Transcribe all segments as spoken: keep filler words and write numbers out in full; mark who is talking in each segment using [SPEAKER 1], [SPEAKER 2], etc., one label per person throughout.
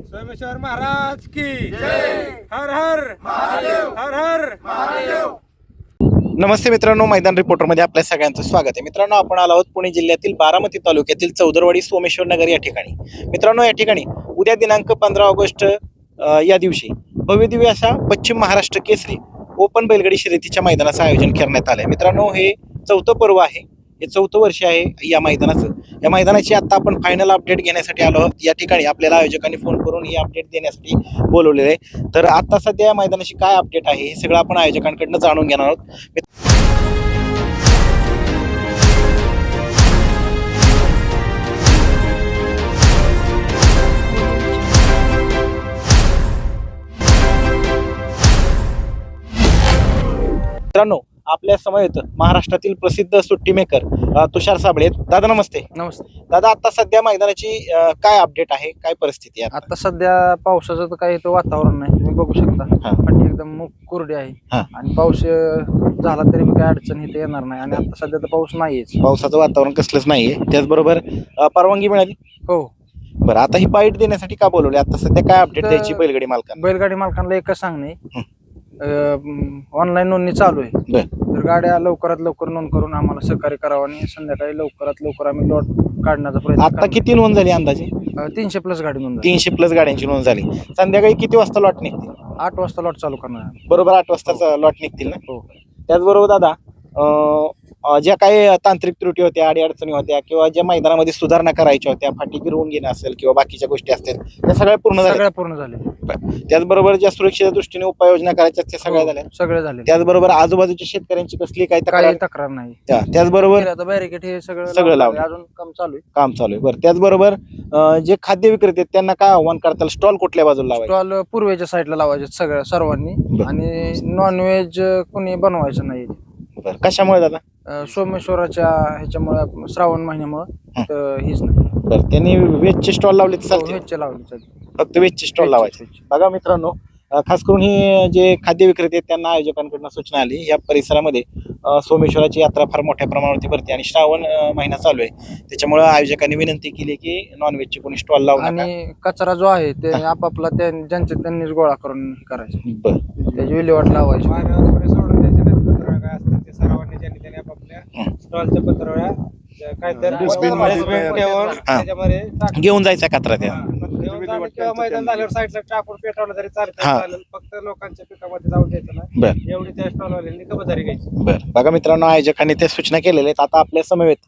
[SPEAKER 1] सोमेश्वर महाराज की जय। हर हर महादेव, हर हर महादेव।
[SPEAKER 2] नमस्ते मित्रांनो, मैदान रिपोर्टरमध्ये आपल्या सगळ्यांचं स्वागत आहे. मित्रांनो, आपण आलो आहोत पुणे जिल्ह्यातील बारामती तालुक्यातील चौदरवाडी सोमेश्वर नगर या ठिकाणी. मित्रांनो, या ठिकाणी उद्या दिनांक पंधरा ऑगस्ट या दिवशी भव्यदिव्य अशा पश्चिम महाराष्ट्र केसरी ओपन बैलगाडी शर्यतीच्या मैदानाचं आयोजन करण्यात आलं आहे. मित्रांनो, हे चौथं पर्व आहे, हे चौथं वर्ष आहे या मैदानाचं. या मैदानाची आता आपण फायनल अपडेट घेण्यासाठी आलो आहोत. या ठिकाणी आपल्याला आयोजकांनी फोन करून ही अपडेट देण्यासाठी बोलवलेलं आहे. तर आता सध्या या मैदानाची काय अपडेट आहे हे सगळं आपण आयोजकांकडनं जाणून घेणार आहोत. मित्रांनो, आपल्या समवेत महाराष्ट्रातील प्रसिद्ध सुट्टी मेकर तुषार साबळे. दादा नमस्ते.
[SPEAKER 3] नमस्ते
[SPEAKER 2] दादा, आता सध्या मैदानाची अ, काय अपडेट आहे, काय परिस्थिती आहे?
[SPEAKER 3] आता सध्या पावसाचं तर काही इथं वातावरण नाही, तुम्ही बघू शकता.
[SPEAKER 2] हा.
[SPEAKER 3] फाटी एकदम मु- कोरडी आहे
[SPEAKER 2] हा.
[SPEAKER 3] आणि पाऊस अं, झाला तरी बी काही अडचण इथे येणार नाही. आणि आता सध्या तर पाऊस नाहीयेच.
[SPEAKER 2] पावसाचं वातावरण कसलंच नाहीये. त्याचबरोबर अ, परवानगी मिळाली.
[SPEAKER 3] हो,
[SPEAKER 2] बरं, आता ही बाईट देण्यासाठी का बोलवली? आता सध्या काय अपडेट
[SPEAKER 3] तर-
[SPEAKER 2] द्यायची बैलगाडी मालकांना?
[SPEAKER 3] बैलगाडी मालकांना एकच सांगणे, ऑनलाईन नोंदणी चालू आहे.
[SPEAKER 2] बर.
[SPEAKER 3] तर गाड्या लवकरात लवकर नोंद करून आम्हाला सहकार्य करावं आणि संध्याकाळी लवकरात लवकर आम्ही लॉट काढण्याचा प्रयत्न
[SPEAKER 2] आता
[SPEAKER 3] करणार.
[SPEAKER 2] किती नोंद झाली अंदाजे?
[SPEAKER 3] अं, तीनशे प्लस गाडी नोंद झाली.
[SPEAKER 2] तीनशे प्लस गाड्यांची नोंद झाली. संध्याकाळी किती वाजता लॉट निघतील?
[SPEAKER 3] आठ वाजता लॉट चालू करणार आहे.
[SPEAKER 2] बरोबर आठ वाजता लॉट निघतील ना?
[SPEAKER 3] हो.
[SPEAKER 2] त्याचबरोबर दादा, अ, अ, ज्या काही तांत्रिक त्रुटी होत्या, अडीअडचणी होत्या किंवा ज्या मैदानामध्ये सुधारणा करायच्या होत्या, फाटी गिरवून घेणं असेल किंवा बाकीच्या गोष्टी असतील, त्या सगळ्या पूर्ण झाल्या.
[SPEAKER 3] सगळ्या पूर्ण झाले.
[SPEAKER 2] त्याचबरोबर ज्या सुरक्षेच्या दृष्टीने उपाययोजना करायच्या त्या सगळ्या झाल्या.
[SPEAKER 3] सगळे झाले.
[SPEAKER 2] त्याचबरोबर आजूबाजूच्या शेतकऱ्यांची कसली काही तक्रार?
[SPEAKER 3] काही तक्रार नाही.
[SPEAKER 2] त्या- त्याचबरोबर
[SPEAKER 3] आता बॅरिकेड हे सगळं
[SPEAKER 2] सगळं
[SPEAKER 3] लावलं.
[SPEAKER 2] लावलं.
[SPEAKER 3] अजून काम चालू आहे.
[SPEAKER 2] काम चालू आहे. बरं, त्याचबरोबर अ, जे खाद्य विक्रेते आहेत त्यांना काय आव्हान करताल? स्टॉल कुठल्या बाजूला लावायचे?
[SPEAKER 3] स्टॉल पूर्वेच्या साईडला लावायचे सगळ्या सर्वांनी.
[SPEAKER 2] बरं.
[SPEAKER 3] आणि नॉनव्हेज कोणी बनवायचं नाही.
[SPEAKER 2] बरं, कशामुळे दादा?
[SPEAKER 3] अं, सोमेश्वराच्या ह्याच्यामुळे श्रावण महिन्यामुळे तर हेच नाही.
[SPEAKER 2] बरं, त्यांनी वेजचे स्टॉल लावले तर चालतील?
[SPEAKER 3] व्हेजचे लावले चालते.
[SPEAKER 2] फक्त वेजचे स्टॉल लावायचे. बघा मित्रांनो, अ, खास करून ही जे खाद्य विक्रेते आहेत त्यांना आयोजकांकडून सूचना आली. या परिसरामध्ये अ, सोमेश्वराची यात्रा फार मोठ्या प्रमाणावरती भरते आणि श्रावण अ, महिना चालू आहे. त्याच्यामुळे आयोजकांनी विनंती केली की नॉनव्हेजचे कोणी स्टॉल लावू नका.
[SPEAKER 3] आणि कचरा जो आहे ते आपापला त्या- ज्यांचे त्यांनीच गोळा करून हे करायचं.
[SPEAKER 2] बरं,
[SPEAKER 3] त्याची विल्हेवाट लावायची.
[SPEAKER 1] मानवाकडे सोडून द्यायचे नाहीत. पत्रावळ्या काय असतात ते सर्वांनी ज्यांनी त्यांनी आपापल्या
[SPEAKER 2] हं.
[SPEAKER 1] स्टॉलच्या पत्रावळ्या ज्या काय तर
[SPEAKER 3] डस्टबिन
[SPEAKER 1] मध्ये
[SPEAKER 3] मध्ये
[SPEAKER 1] ठेवून
[SPEAKER 2] हा.
[SPEAKER 1] त्याच्यामध्ये टाक-
[SPEAKER 2] घेऊन जायचा कचरा त्या.
[SPEAKER 1] हा. घेऊन जाणं किंवा मैदान झाल्यावर साईडला टाकून पेटवलं तरी चालतं.
[SPEAKER 2] हा.
[SPEAKER 1] चालेल. फक्त लोकांच्या पिकामध्ये जाऊन द्यायचं नाही.
[SPEAKER 2] बरं
[SPEAKER 1] एवढी त्या स्टॉलवाल्यांनी खबरदारी घ्यायची.
[SPEAKER 2] बरं, बघा मित्रांनो, आयोजकांनी त्या सूचना केलेल्या आहेत. आता आपल्या समवेत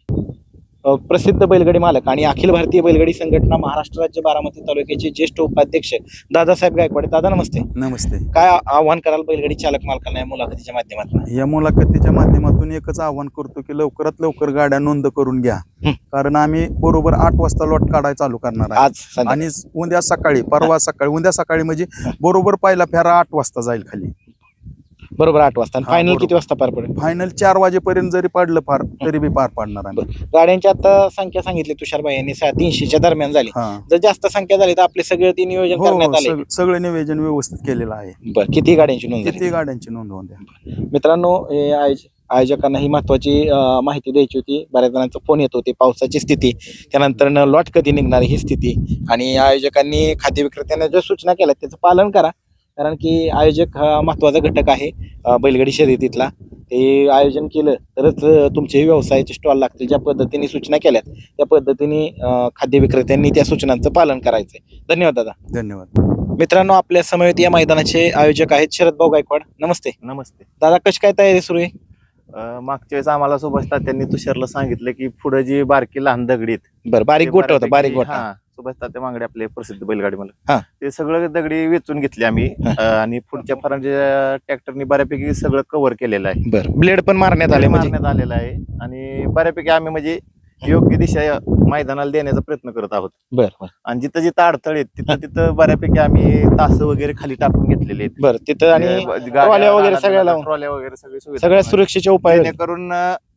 [SPEAKER 2] अ, प्रसिद्ध बैलगाडी मालक आणि अखिल भारतीय बैलगाडी संघटना महाराष्ट्र राज्य बारामती तालुक्याचे ज्येष्ठ उपाध्यक्ष दादासाहेब गायकवाड. दादा नमस्ते.
[SPEAKER 4] नमस्ते.
[SPEAKER 2] काय आव्हान कराल बैलगाडी चालक मालकांना या मुलाखतीच्या माध्यमातून?
[SPEAKER 4] या मुलाखतीच्या माध्यमातून एकच आवाहन करतो की लवकरात लवकर गाड्या नोंद करून घ्या.
[SPEAKER 2] हं.
[SPEAKER 4] कारण आम्ही बरोबर आठ वाजता लॉट काढायला चालू करणार आहे.
[SPEAKER 2] आज संध्याकाळी.
[SPEAKER 4] आणि उद्या सकाळी परवा सकाळी उद्या सकाळी म्हणजे बरोबर पहिला फेरा आठ वाजता जाईल खाली.
[SPEAKER 2] बरोबर आठ वाजता.
[SPEAKER 4] हा,
[SPEAKER 2] फायनल
[SPEAKER 4] बरोबर.
[SPEAKER 2] किती वाजता पार पडेल?
[SPEAKER 4] फायनल चार वाजेपर्यंत जरी पडलं फार तरी बी पार पाडणार आहे.
[SPEAKER 2] गाड्यांची आता संख्या सांगितली तुषारबाई यांनी सा- तीनशेच्या दरम्यान झाली.
[SPEAKER 4] हा.
[SPEAKER 2] जर जास्त संख्या झाली तर आपले सगळे ते नियोजन
[SPEAKER 4] हो,
[SPEAKER 2] करण्यात
[SPEAKER 4] हो,
[SPEAKER 2] आले.
[SPEAKER 4] सग- सगळं नियोजन व्यवस्थित केलेलं आहे.
[SPEAKER 2] बरं, किती गाड्यांची नोंद
[SPEAKER 4] किती
[SPEAKER 2] झाली?
[SPEAKER 4] गाड्यांची नोंद होऊन द्या.
[SPEAKER 2] मित्रांनो, हे आयोज- आयोजकांना ही महत्वाची अं, माहिती द्यायची होती. बऱ्याच जणांचा फोन येत होते. पावसाची स्थिती, त्यानंतर लॉट कधी निघणार ही स्थिती, आणि आयोजकांनी खाद्य विक्रेत्यांना ज्या सूचना केल्या त्याचं पालन करा. कारण की आयोजक हा महत्वाचा घटक आहे अं, बैलगाडी शर्यतीतला. ते आयोजन केलं तरच अं, तुमचे व्यवसायाचे स्टॉल लागतील. ज्या पद्धतीने सूचना केल्यात त्या पद्धतीने अं, खाद्य विक्रेत्यांनी त्या सूचनांचं पालन करायचंय. धन्यवाद दादा.
[SPEAKER 4] धन्यवाद.
[SPEAKER 2] मित्रांनो, आपल्या समवेत या मैदानाचे आयोजक आहेत शरद भाऊ गायकवाड. नमस्ते
[SPEAKER 5] नमस्ते.
[SPEAKER 2] दादा, कशी काय तयारी सुरू आहे?
[SPEAKER 5] अं, मागच्या वेळेस आम्हाला सुभाष तात्यांनी तुषारला सांगितलं की पुढे जी बारकी लहान दगडीत
[SPEAKER 2] बरं, बारीक गोट होतं, बारीक गोट.
[SPEAKER 5] हा सुभाष तात्या मांगडे आपले प्रसिद्ध बैलगाडी मला
[SPEAKER 2] हा.
[SPEAKER 5] ते सगळं दगडी वेचून घेतली आम्ही.
[SPEAKER 2] हा.
[SPEAKER 5] अं, आणि पुढच्या फरांच्या ट्रॅक्टरनी बऱ्यापैकी सगळं कव्हर केलेलं आहे.
[SPEAKER 2] बरं, ब्लेड पण मारण्यात आले म्हणजे?
[SPEAKER 5] मारण्यात आलेलं आहे आणि बऱ्यापैकी आम्ही म्हणजे योग्य दिशा या मैदानाला देण्याचा प्रयत्न करत आहोत.
[SPEAKER 2] बरं बरं
[SPEAKER 5] आणि जिथं जिथं अडथळे आहेत तिथं तिथं बऱ्यापैकी आम्ही तास वगैरे खाली टाकून घेतलेले आहेत.
[SPEAKER 2] बरं, तिथं आणि
[SPEAKER 5] गाड्या-
[SPEAKER 2] ट्रॉल्या वगैरे सगळ्या लावून
[SPEAKER 5] ट्रॉल्या वगैरे सगळी सुविधा
[SPEAKER 2] सगळ्या सुरक्षेचे उपाय.
[SPEAKER 5] जेणेकरून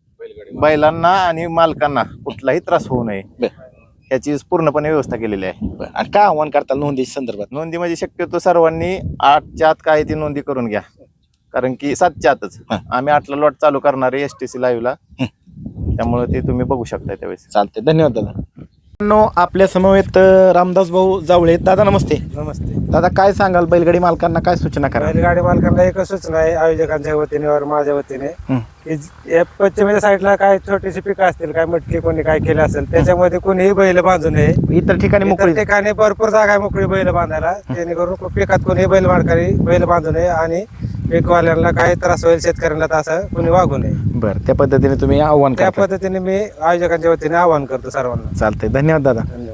[SPEAKER 5] अं, बैलांना आणि मालकांना कुठलाही त्रास होऊ नये
[SPEAKER 2] बरं.
[SPEAKER 5] याची पूर्णपणे व्यवस्था केलेली आहे.
[SPEAKER 2] बरं, आणि काय आव्हान करताल नोंदीच्या संदर्भात?
[SPEAKER 5] नोंदी म्हणजे शक्यतो सर्वांनी आठच्या आत काय ती नोंदी करून घ्या. कारण की सातच्या आतच
[SPEAKER 2] हा.
[SPEAKER 5] आम्ही आठला लॉट चालू करणार आहे एसटीसी लाईव्हला. त्यामुळे ते तुम्ही बघू शकता त्यावेळेस.
[SPEAKER 2] चालते. धन्यवाद दादा. नो आपल्या समवेत रामदास भाऊ जावळे. दादा नमस्ते.
[SPEAKER 3] नमस्ते.
[SPEAKER 2] दादा काय सांगाल बैलगाडी मालकांना काय सूचना करा?
[SPEAKER 3] बैलगाडी मालकांना एकच सूचना आहे आयोजकांच्या वतीने वर माझ्या वतीने
[SPEAKER 2] हं.
[SPEAKER 3] की ज- या पश्चिमेच्या साईडला काय छोटीशी पिकं असतील, काय मटकी कोणी काय केलं असेल त्याच्यामध्ये कोणीही बैल बांधू नये.
[SPEAKER 2] इतर ठिकाणी
[SPEAKER 3] इतर
[SPEAKER 2] मोकळी
[SPEAKER 3] ठिकाणी भरपूर जागा आहे मोकळी बैल बांधायला, जेणेकरून पिकात कोणी बैल मालकांनी बैल बांधू नये आणि पीकवाल्यांना काय त्रास होईल शेतकऱ्यांना तर असं कोणी वागू नये.
[SPEAKER 2] बरं त्या पद्धतीने तुम्ही आव्हान
[SPEAKER 3] त्या
[SPEAKER 2] करता.
[SPEAKER 3] पद्धतीने मी आयोजकांच्या वतीने आवाहन करतो सर्वांना.
[SPEAKER 2] चालतंय. धन्यवाद दादा.
[SPEAKER 3] धन्यवाद.